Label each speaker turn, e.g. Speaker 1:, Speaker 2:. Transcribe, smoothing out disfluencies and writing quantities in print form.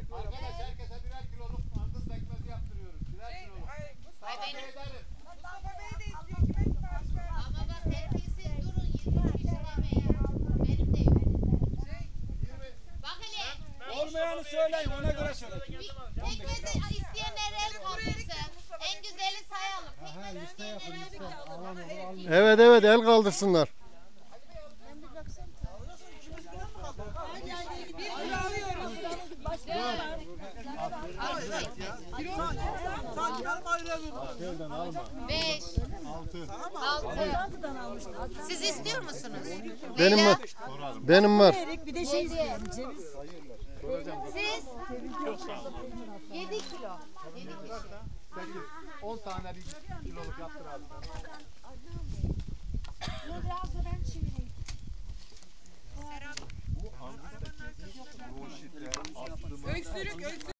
Speaker 1: Arkadaş herkese birer kiloluk andız pekmezi yaptırıyoruz. Birer kiloluk. Mustafa Bey ederim.
Speaker 2: Mustafa Bey de istiyor. Kime sipariş ver?
Speaker 3: Ama bak terbiyesiz durun 20 kişi demeye. Benim de yok. Bak hele.
Speaker 4: Olmayanı söyleyin, ona göre söyleyin.
Speaker 3: Pekmezi isteyenler el kaldırsın. En güzeli sayalım. Pekmez isteyenler el kaldırsın.
Speaker 5: Evet evet, el kaldırsınlar.
Speaker 2: Bir kilo alıyoruz.
Speaker 3: Beş. Altı. Siz istiyor musunuz?
Speaker 5: Benim
Speaker 3: Leyla,
Speaker 5: var. Benim var.
Speaker 6: Bir de şey istiyorum, ceviz.
Speaker 3: Siz? 7 kilo. 7 kişi.
Speaker 1: 10 tane bir kiloluk yaptır abi.
Speaker 6: Biraz da ben çevireyim.
Speaker 2: Öksürük.